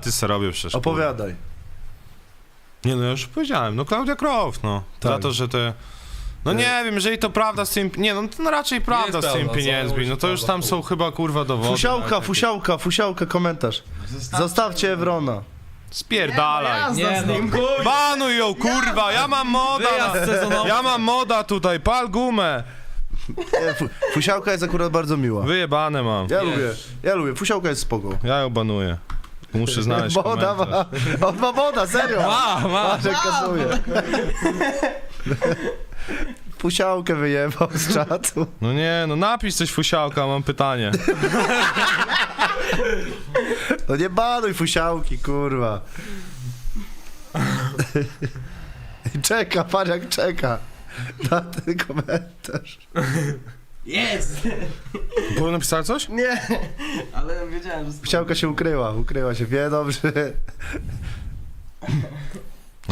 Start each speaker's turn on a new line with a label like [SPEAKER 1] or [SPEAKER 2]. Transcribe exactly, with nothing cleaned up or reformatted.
[SPEAKER 1] żarty se robię przecież.
[SPEAKER 2] Opowiadaj.
[SPEAKER 1] Nie no, ja już powiedziałem, no Klaudia Croft, no.
[SPEAKER 2] Tak.
[SPEAKER 1] Za to, że te... No nie wiem, jeżeli to prawda z tym... Nie no, to no raczej prawda z tymi
[SPEAKER 3] prawda, co?
[SPEAKER 1] pieniędzmi, no to już tam są chyba kurwa dowody.
[SPEAKER 2] Fusiałka, fusiałka, fusiałka, komentarz. Zostawcie Ewrona.
[SPEAKER 1] Spierdalaj.
[SPEAKER 3] Nie no, kurwa.
[SPEAKER 1] Banuj ją, kurwa, ja mam moda.
[SPEAKER 3] Wyjazd sezonowy.
[SPEAKER 1] Ja mam moda tutaj, pal gumę.
[SPEAKER 2] Nie, fu, fusiałka jest akurat bardzo miła.
[SPEAKER 1] Wyjebane mam.
[SPEAKER 2] Ja
[SPEAKER 3] Wiesz.
[SPEAKER 2] lubię, ja lubię, fusiałka jest spoko.
[SPEAKER 1] Ja ją banuję. Muszę znaleźć
[SPEAKER 2] Woda
[SPEAKER 1] komentarz.
[SPEAKER 2] ma, on ma woda, serio.
[SPEAKER 3] Ma, ma.
[SPEAKER 2] Patrz, jak kasuje. Fusiałkę wyjebał z czatu.
[SPEAKER 1] No nie, no napisz coś fusiałka, mam pytanie.
[SPEAKER 2] No nie banuj fusiałki, kurwa. I czeka, patrz jak czeka na ten komentarz.
[SPEAKER 4] Jest!
[SPEAKER 1] Było napisać coś?
[SPEAKER 4] Nie! Ale wiedziałem, że...
[SPEAKER 2] Fusiałka się ukryła, ukryła się, wie dobrze.